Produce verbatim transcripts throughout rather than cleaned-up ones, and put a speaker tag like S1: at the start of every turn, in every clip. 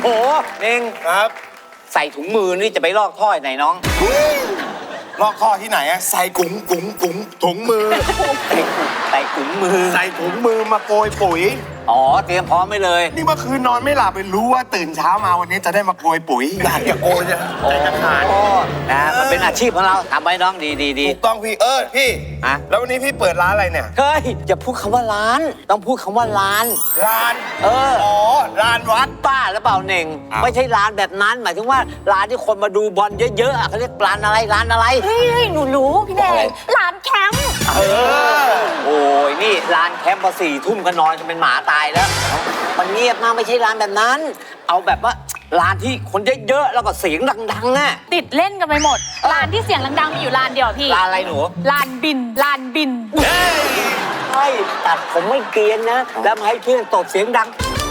S1: หเน่ง
S2: ครับ
S1: ใส่ถุงมือนี่จะไปลอกท่อไหนน้อง
S2: ลอกท่อที่ไหนอะใส่กุ๋งกุ๋งกุ๋งถุงมือ
S1: ใส่ถุงมือ
S2: ใส่ถุงมือมาโกยปุ๋ย
S1: อ๋อเตรียมพร้อมไว้เลย
S2: นี่เมื่อคืนนอนไม่หลับไปรู้ว่าตื่นเช้ามาวันนี้จะได้มาโกยปุ๋ยอยากจะโกยจะใจจะขาด
S1: นะมันเป็นอาชีพของเราทำไว้น้องดีดีดี
S2: ถูกต้องพี่เออพี่
S1: อะ
S2: แล้ววันนี้พี่เปิดร้านอะไรเนี่ย
S1: เฮ้ยอย่าพูดคำว่าร้านต้องพูดคำว่าร้าน
S2: ร้าน
S1: เออ
S2: อ๋อร้านวัด
S1: ป้าหรือเปล่าเน่งไม่ใช่ร้านแบบนั้นหมายถึงว่าร้านที่คนมาดูบอลเยอะๆเขาเรียกร้านอะไรร้านอะไร
S3: เฮ้ยหนูรู้พี่แดงร้านแคมป์
S1: เออโอ้ยนี่ร้านแคมป์พอสี่ทุ่มก็นอนจะเป็นหมาตายแล้วมันเงียบมากไม่ใช่ร้านแบบนั้นเอาแบบว่าร้านที่คนเยอะๆแล้วก็เสียงดังๆน่ะ
S3: ติดเล่นกันไปหมดร้านที่เสียงดังๆมีอยู่ร้านเดียวพี่
S1: ร้านอะไรหนู
S3: ร้านบินร้านบิน
S1: ใช่ตัดผมไม่เกรียนนะแล้วมาให้เพื่อนตบเสียงดัง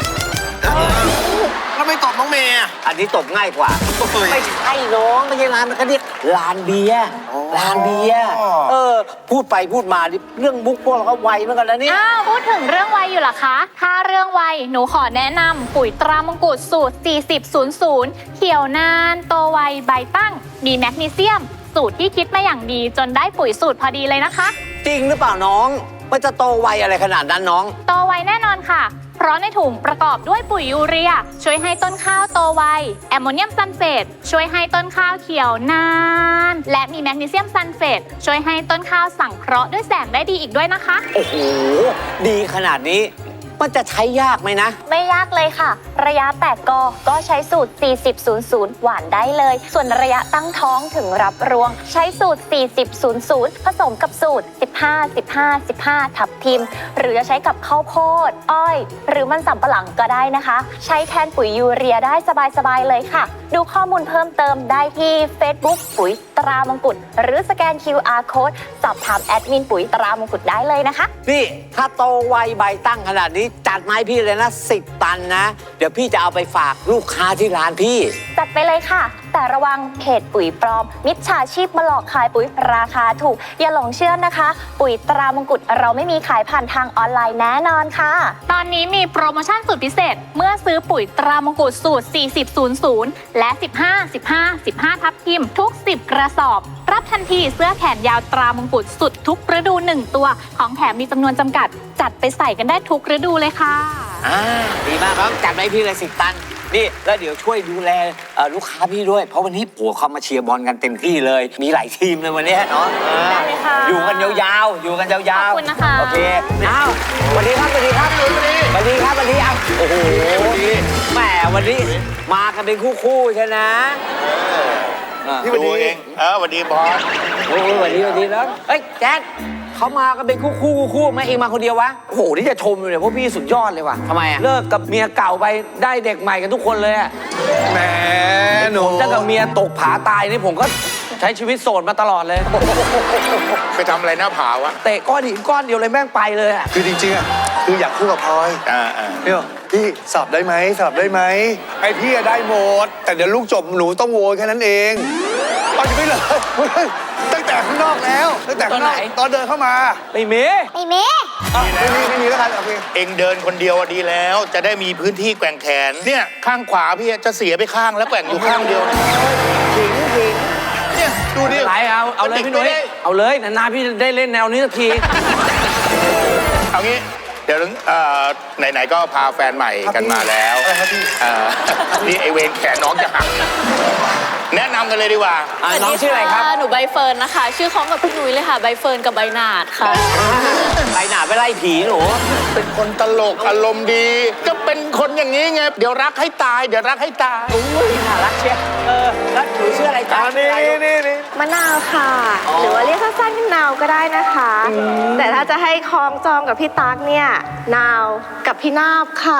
S2: แล้วไม่ตบน้องเมย์
S1: อันนี้ตบง่ายกว่าไม่ใช่น้องไม่ใช่ร้านมันก็เรียกร้านเบียร์ร้านเบียร์เออพูดไปพูดมาเรื่องมุกพวกเราก็ไวเหมือนกันนะนี่
S3: อ้าวพูดถึงเรื่องไวอยู่เหรอคะถ้าเรื่องไวหนูขอแนะนำปุ๋ยตรามงกุฎสูตรสี่สิบ ศูนย์ ศูนย์เขียวนานโตไวใบตั้งมีแมกนีเซียมสูตรที่คิดมาอย่างดีจนได้ปุ๋ยสูตรพอดีเลยนะคะ
S1: จริงหรือเปล่าน้องมันจะโตไวอะไรขนาดนั้นน้อง
S3: โตไวแน่นอนค่ะเพราะในถุงประกอบด้วยปุ๋ยยูเรียช่วยให้ต้นข้าวโตไวแอมโมเนียมซัลเฟตช่วยให้ต้นข้าวเขียวนานและมีแมกนีเซียมซัลเฟตช่วยให้ต้นข้าวสังเคราะห์ด้วยแสงได้ดีอีกด้วยนะคะ
S1: โอ้โหดีขนาดนี้มันจะใช้ยากไหมนะ
S3: ไม่ยากเลยค่ะระยะแตกกอก็ใช้สูตรสี่สิบ ศูนย์ ศูนย์หว่านได้เลยส่วนระยะตั้งท้องถึงรับรวงใช้สูตรสี่สิบ ศูนย์ ศูนย์ผสมกับสูตรสิบห้า สิบห้า สิบห้าทับทิมหรือจะใช้กับข้าวโพดอ้อยหรือมันสำปะหลังก็ได้นะคะใช้แทนปุ๋ยยูเรียได้สบายๆเลยค่ะดูข้อมูลเพิ่มเติมได้ที่ Facebook ปุ๋ยตรามงกุฎหรือสแกน คิว อาร์ Code สอบถามแอดมินปุ๋ยตรามงกุฎได้เลยนะคะ
S1: นี่ถ้าโตไวใบตั้งขนาดนี้จัดมาให้พี่เลยนะสิบตันนะเดี๋ยวพี่จะเอาไปฝากลูกค้าที่ร้านพี่
S3: จัดไปเลยค่ะแต่ระวังเพจปุ๋ยปลอมมิจฉาชีพมาหลอกขายปุ๋ยราคาถูกอย่าหลงเชื่อนะคะปุ๋ยตรามงกุฎเราไม่มีขายผ่านทางออนไลน์แน่นอนค่ะตอนนี้มีโปรโมชั่นสุดพิเศษเมื่อซื้อปุ๋ยตรามงกุฎสูตรสี่สิบ ศูนย์ ศูนย์และสิบห้า สิบห้า สิบห้าทับทิมทุกสิบกระสอบรับทันทีเสื้อแขนยาวตรามงกุฎสุดทุกฤดูหนึ่งตัวของแถมมีจำนวนจำกัดจัดไปใส่กันได้ทุกฤดูเลยค่ะ
S1: อ่าดีมากครับจัดไปพี่เลยสิบตันนี่แล้วเดี๋ยวช่วยดูแลลูกค้าพี่ด้วยเพราะวันนี้ผัวเขามาเชียร์บอลกันเต็มที่เลยมีหลายทีมเลยวันนี้เนาะ
S3: ได้เลยค่ะ
S1: อยู่กันยาวๆอยู่กันยาวๆ
S3: ขอบคุณนะคะ
S1: โอเคอ้าวสวัสดีครับสวัสดีครับสวัสดีครับสวัสดีครับโอ้โหแหมวันนี้มากันเป็นคู่ๆใช่ไหม
S2: พี่วันดีเองเออวันดีบอส
S1: โอ้วันดีวันดีแล้วเฮ้ยแจ๊คเขามากันเป็นคู่คู่คู่ไม่เองมาคนเดียววะ
S4: โอ้โหนี่จะชมเลยพวกพี่สุดยอดเลยว่ะ
S1: ทำไมอ่ะ
S4: เลิกกับเมียเก่าไปได้เด็กใหม่กันทุกคนเลยอ่ะ
S2: แหมหนู
S4: ถ้ากับเมียตกผาตายนี่ผมก็ใช้ชีวิตโสดมาตลอดเลย
S2: ไปทำอะไรหน้าผาวะ
S4: เตะก้อนหินก้อนเดียวเลยแม่งไปเลยอ่ะ
S5: คือจริงๆอ่ะคืออยากคู่กับพลอย
S2: อ่าอ่า
S5: พี่พี่สอบได้ไหมสอบได้ไหมไอพี่ได้หมดแต่เดี๋ยวลูกจบหนูต้องโวยแค่นั้นเองเอาจะไม่เลยตั้งแต่ข้างนอกแล้วตั้งแต่ข้างนอกตอนเดินเข้ามา
S4: ไม่มี
S3: ไม่มี
S5: ไม่มีไม่มีแล้วกันโอเค
S2: เองเดินคนเดียวดีแล้วจะได้มีพื้นที่แกว่งแขนเนี่ยข้างขวาพี่จะเสียไปข้างแล้วแกว่งอยู่ข้างเดียว
S1: ถิงถิง
S2: เนี่ยดูดิ
S4: ไหลเอาเอาเลยพี่หนุ่ยเอาเลยนานๆพี่ได้เล่นแนวนี้สักที
S2: เอางี้เดี๋ยวไหนๆก็พาแฟนใหม่กันมาแล้วนี่ไอเวนแขนน้องจะหักแนะนำกันเลยดีกว่า
S1: น้องชื่ออะไรครับ
S6: หนูใบเฟิร์นนะคะชื่อคล้องกับพี่นุ้ยเลยค่ะใบเฟิร์นกับใบหนาดค่ะ
S1: ใบหนาดไปไล่ผีหนู
S2: เป็นคนตลกอารมณ์ดีก็เป็นคนอย่างนี้ไงเดี๋ยวรักให้ตายเดี๋ยวรักให้ตาย
S1: อุ้ยน่ารักเชียวเออแล้วหนูชื่ออะไรจ๊ะ
S2: นี่นี่นี่
S7: มะนาวค่ะหรือว่าเรียกสั้นๆพี่นาวก็ได้นะคะแต่ถ้าจะให้คล้องจองกับพี่ตั๊กเนี่ยนาวกับพี่นาบค่ะ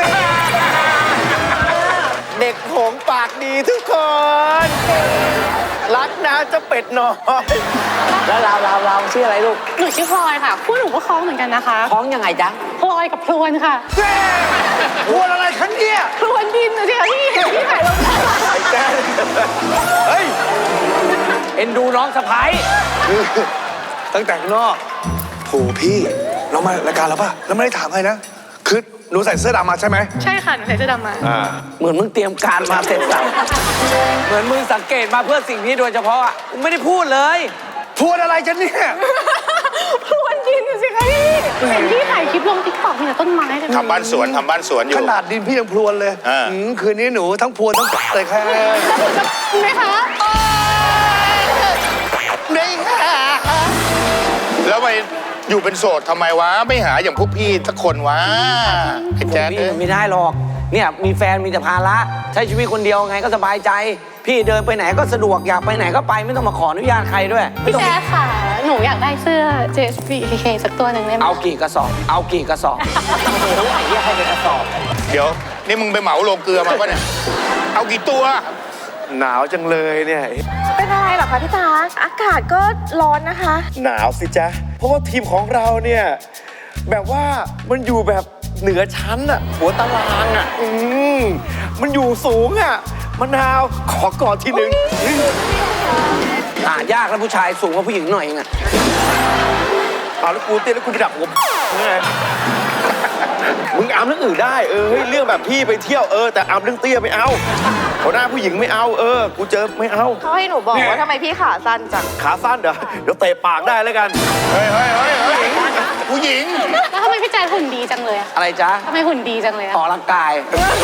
S2: เด็กโหงปากดีทุกคนรักนะจะเป็ดน้อย
S1: แล้วเราเราเราชื่ออะไรลูก
S6: หนูชื่อพลอยค่ะคู่หนูก็คล้องเหมือนกันนะคะ
S1: คล้องยังไงจ๊ะ
S6: พลอยกับพลวนค่ะ
S2: พลวนอะไรคันเนี่ย
S6: พลวนดินนะเดี๋ยวพี่พี่ถ่ายลง
S4: เฮ้ยเอ็นดูน้องสะพ้าย
S5: ตั้งแต่ข้างนอกโหพี่เรามารายการแล้วป่ะเราไม่ได้ถามอะไรนะคือนูใส่เสื้อดำมาใช่ไหม
S7: ใช่ค่ะ หนูใส่เสื้อดำมา
S5: อ่า
S4: เหมือนมึงเตรียมการมาเสร็จสับเหมือนมึงสังเกตมาเพื่อสิ่งนี้โดยเฉพาะอ่ะกูไม่ได้พูดเลย
S5: พูดอะไรกันเนี่ย
S7: พรวนดินสิคะพี่เห็นพี่ถ่ายคลิปลงติ๊กต็อกมีแต่ต้นไม้เลย
S2: ทำบ้านสวนทำบ้านสวนอยู่
S5: ขนาดดินพี่ยังพรวนเลย
S2: อ่า
S5: อืมคืนนี้หนูทั้งพรวนทั้งเลยค่ะ
S7: ไหมคะ
S2: ไม่หาแล้วไปอยู่เป็นโสดทำไมวะ ไม่หาอย่างพวกพี่สักคนวะไอ้แจ๊ด
S4: พี่
S2: เอ้ย
S4: มันไม่ได้หรอก เนี่ยมีแฟนมีแต่ภาระใช้ชีวิตคนเดียวไงก็สบายใจ พี่เดินไปไหนก็สะดวกอยากไปไหนก็ไปไม่ต้องมาขออนุญาตใครด้วยไม่
S7: พี่
S4: ต้อง
S7: แจ๊คค่ะ หนูอยากได้เสื้อ เจ เอส บี เค เค สักตัวหนึ่งได้ไหม
S4: เอากี่กระสอบเอากี่กระสอบ
S2: เดี๋ยว นี่มึงไปเหมาโรงเกลือมาปะเนี่ย เอากี่ตัว
S5: หนาวจังเลยเนี่ย
S7: เป็นอะไรเหรอคะพี่ตาอากาศก็ร้อนนะคะ
S8: หนาวสิจ๊ะ เพราะว่าทีมของเราเนี่ย แบบว่ามันอยู่แบบเหนือชั้นอะหัวตารางอะอืมมันอยู่สูงอะมะนาวขอกอดทีหนึ่ง
S4: หายากแล้วผู้ชายสูงกว่าผู้หญิงหน่อยเองอะ
S8: เอาแล้วกูเต้นแล้วกูไปดักผมไงมึงอามเรื่องอื่นได้เออเฮ้ยเรื่องแบบพี่ไปเที่ยวเออแต่อามเรื่องเตี้ยไม่เอาหัวหน้าผู้หญิงไม่เอาเออกูเจอไม่เอา
S7: เขาให้หนูบอกว่าทำไมพี่ขาสั้นจัง
S8: ขาสั้นเดี๋ยวเดี๋ยวเตะปากได้แล้วกัน
S2: เฮ้ยเฮ้ยเฮ้ยเฮ้ยผู้หญิง
S7: แล้วทำไมพี่แจ๊คหุ่นดีจังเลยอะ
S4: อะไรจ๊ะ
S7: ทำไมหุ่นดีจังเลยอะ
S4: ออกกำลังกาย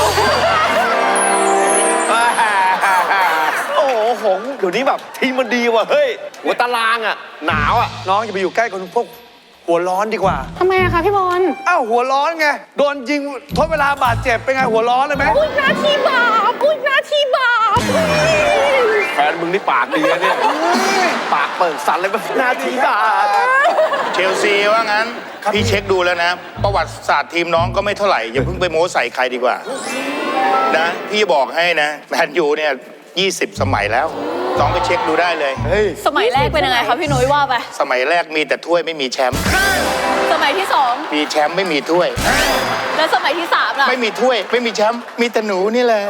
S8: โอ้โหหงเดี๋ยวนี้แบบทีมมันดีว่ะเฮ้ยหัวตารางอะหนาวอะ
S5: น้องอย่าไปอยู่ใกล้คนพวกหัวร้อนดีกว่า
S7: ทำไมอะคะพี่บอล
S5: อ้าวหัวร้อนไง โดนยิงทดเวลาบาดเจ็บเป็นไงหัวร้อนเลยไหม
S7: พูดหน้าที่บาปพูดหน้าที่บาป
S8: แฟนมึงนี่ปากดีนะเนี่ยปากเปิดสันเลยแบบหน้าทีบาท
S2: เชลซีว่างั้น พี่เช็คดูแล้วนะ ประวัติศาสตร์ทีมน้องก็ไม่เท่าไหร่ อย่าเพิ่งไปโม้ใส่ใครดีกว่า นะ พี่บอกให้นะแมนยูเนี่ยยี่สิบสมัยแล้ว น้องไปเช็คดูได้เลย
S6: สมัยแรกเป็นยังไงคะพี่นุ้ยว่าไป
S2: สมัยแรกมีแต่ถ้วยไม่มีแชมป์
S6: สมัยที่สอง
S2: มีแชมป์ไม่มีถ้วย
S6: แล้วสมัยที่สามล่ะ
S2: ไม่มีถ้วย ไม่มีแชมป์มีแต่หนูนี่แหละ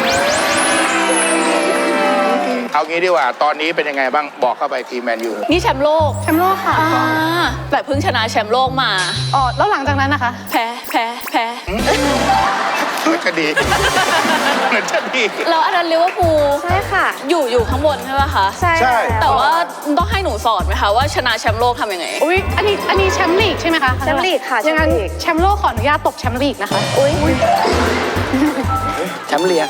S2: เอางี้ดีกว่า ตอนนี้เป็นยังไงบ้างบอกเข้าไปทีมแมนยู
S6: นี่แชมป์โลก
S7: แชมป์โลกค่ะ
S6: อ่าแต่เพิ่งชนะแชมป์โลกมา
S7: อ๋อแล้วหลังจากนั้นนะคะ
S6: แพ้แพ้แพ้
S2: เหมือนจะดีเหมือนจะดี
S6: แล้วอันนั้นลิเวอร์พูล
S7: ใช่ค่ะ
S6: อยู่อยู่ข้างบนใช่ไหมคะ
S7: ใช่
S6: แต่ว่าต้องให้หนูสอนไหมคะว่าชนะแชมป์โลกทำยังไง
S7: อุ้ยอันนี้อันนี้แชมป์ลีกใช่ไหมคะ
S9: แชมป์ลีกค่ะ
S7: อย่างนั้น
S9: แชมป์ลีก
S7: แชมป์โลกขออนุญาตตกแชมป์ลีกนะคะ อุ้ย
S4: แชมป์เลีย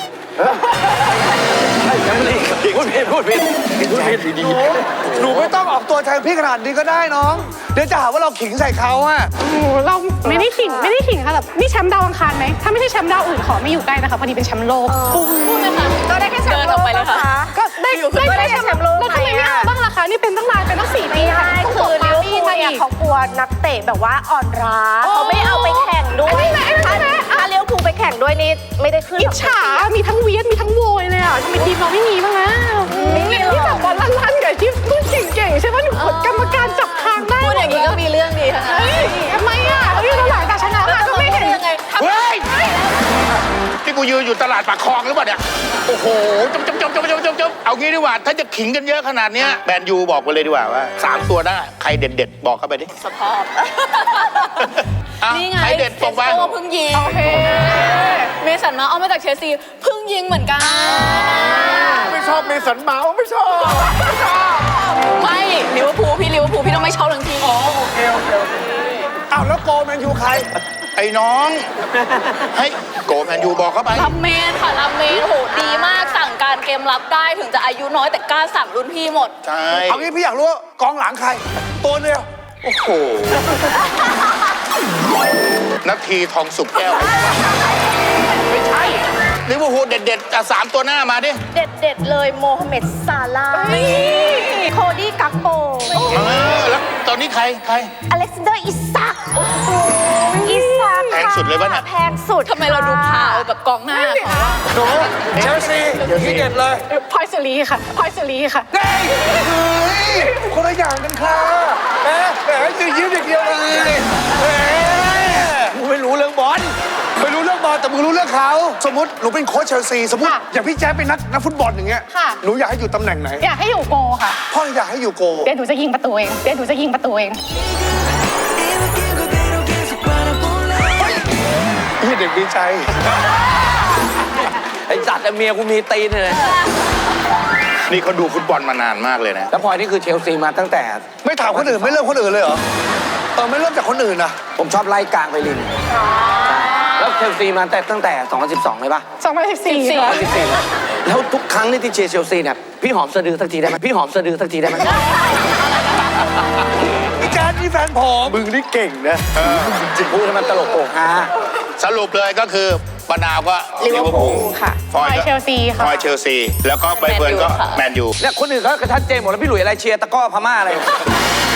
S4: แชมป์เลียพูดผิดพูดผิดพูดผิดดี
S5: หนูไม่ต้องออกตัวแทนพี่ขนาดนี้ก็ได้น้อง เดี๋ยวจะหาว่าเราขิงใส่เขาอะ
S7: โอ้โหเราไม่ได้ขิงไม่ได้ขิงค่ะแบบนี่แชมป์ดาวอังคารไหมถ้าไม่ใช่แชมป์ดาวอื่นขอไม่อยู่ใกล้นะคะพอดีเป็นแชมป์โลก
S6: พูดเลยค่ะ
S9: ก็ได้แค่แชม
S6: เดิน
S9: ป์โล
S6: ออก
S9: ก
S6: ไปเลย
S9: นะ
S6: ค่ะ
S9: คะ
S7: ก็ได้
S6: อยู่
S7: ได้
S9: ก็ได้
S7: ได้
S9: แชมป์โลก
S7: แล้วทำไมไม่เอาบ้างล่ะคะนี่เป็นตั้งนานเป็นตั้งสี่ปี
S9: ไม่ได้
S7: ต้อง
S9: คื
S7: ส่
S9: อง ลิเวอร์พูล
S7: มา
S9: เนี่ย
S7: อีก
S9: เขากลัวนักเตะแบบว่าอ่อนล้า
S7: อ๋อ
S9: เขาไม่เอาไปแข่งด้วย
S7: อันนี้ไหมอันนี้ไหม
S9: ถ้าถ้าลิเวอร์พูลไปแข่งด้วยนี่ไม่ได้ขึ้น
S7: อิจฉา มีทั้งเวียดมีทั้งโวยเลยอ่ะทำไมทีมเราไม่มีบ้างนะ
S9: ไม่มีหรอก
S7: ที่จับบอลลั่นๆกับที่พูดเก่งๆใช่ไหมหนูกดกรรมการจับทางได้
S6: พูดอย่างนี้ก็มีเรื่องดีค่ะ
S7: เฮ้ยทำไมอ่ะเฮ้ยเราหลังจากชนะมาก็ไม่เห็น
S6: ยังไง
S2: เฮ้ยที่กูยืนอยู่ตลาดปากคลองหรือเปล่าเนี่ย โอ้โหจบจบจบจบจบจบจบเอางี้ดีกว่า ถ้าจะขิงกันเยอะขนาดเนี้ยแมนยูบอกไปเลยดีกว่าว่าสามตัวได้ใครเด็ดๆบอกเข้าไปดิ
S6: สภาพ
S2: อ่ะ
S6: นี่ไง
S2: ใครเด็ดบอกไป
S6: เซสโก้เพิ่งยิง
S7: โอเค
S6: เมสันมาเอามาจากเชลซีเพิ่งยิงเหมือนกัน
S8: ไม่ชอบเมสันเมาส์ไม่ชอบไม่ชอบ
S6: ไม่ลิเวอร์พูลพี่ลิเวอร์พูลพี่ต้องไม่ชอบทั้งทีม
S5: อ้าวแล้วโกแมนยูใคร
S2: ไอ้น้องให้โกแมนยูบอกเข้าไป
S6: รับเมนค่ะรับเมนโหดีมากสั่งการเกมรับได้ถึงจะอายุน้อยแต่กล้าสั่งรุ่นพี่หมด
S2: ใช่
S5: เอางี้พี่อยากรู้ว่ากองหลังใคร ตัวเดียว
S2: โอ้โหนาทีทองสุกแก้ว ไม่ใช่ลิเวอร์พูลเด็ดๆอ่ะสามตัวหน้ามาดิ
S9: เด็ดๆเลยโมฮัมเหม็ดซาลาห์โคดี้กักโป
S2: เออแล้วตอนนี้ใครใคร
S9: อเล็กซานเดอร์อิซักโอ้โหอิซัก
S2: แพงสุดเลยปะเนี่ย
S9: แพงสุด
S6: ทำไมเราดูพาวกับกองหน้าเขา
S5: หนูเชลซีที่เด็ดเลย
S7: พอยสุรีค่ะพอยสุรีค่ะ
S5: ได้เฮ้ยคนละอย่างกันค่ะแหมแหมยืนยิ้มอย่างเดียวเลยแหมมึงไม่รู้เรื่องบอลไม่รู้เรื่องบอลแต่มึงรู้เรื่องเขาสมมติหนูเป็นโค้ชเชลซีสมมติ
S7: ค่ะ
S5: อย่างพี่แจ๊คเป็นนักนักฟุตบอลอย่างเงี้ย
S7: ค่ะ
S5: หนูอยากให้อยู่ตำแหน่งไหน
S7: อยากให้อยู่โกค่ะ
S5: พ่ออยากให้อยู่โก
S7: เดี๋ยวหนูจะยิงประตูเองเดี๋ยวหนูจะยิงประตูเอง
S5: พี่เด็กดีใจ
S4: ไอ้จัดเมียกูมีตีนเลย
S2: นี่เขาดูฟุตบอลมานานมากเลยนะ
S4: แล้วพลอยนี่คือเชลซีมาตั้งแต่
S5: ไม่ถามคนอื่นไม่เริ่มคนอื่นเลยเหรอ เออไม่เริ่มจากคนอื่นนะ
S4: ผมชอบไล่กลางไปลินใช่แล้วเชลซีมาแต่ตั้งแต่สองพันสิบสองเลยปะ
S9: สองพันสิบสี่ค่ะ
S4: แล้วทุกครั้งที่เชียร์เชลซีเนี่ยพี่หอมสะดือสักทีได้ไหมพี่หอมสะดือสักทีได้ไหม
S5: พี่แจ๊ดนี่แฟนผม
S8: มึงนี่เก่งนะ
S4: จริงพูดให้มันตลกโปกฮา
S2: สรุปเลยก็คือปนาวก็
S9: ลิเวอร์พูลค่ะ
S2: ฟอย
S9: ฟอย
S2: ก็
S9: เชลซีค่ะ
S2: ฟอยเชลซี แล้วก็ใบเฟิร์นก็แมนยู
S4: เนี่ยคนอื่นเขากระชัดเจนหมดแล้วพี่หลุยอะไรเชียร์ตะกร้อพม่าอะไร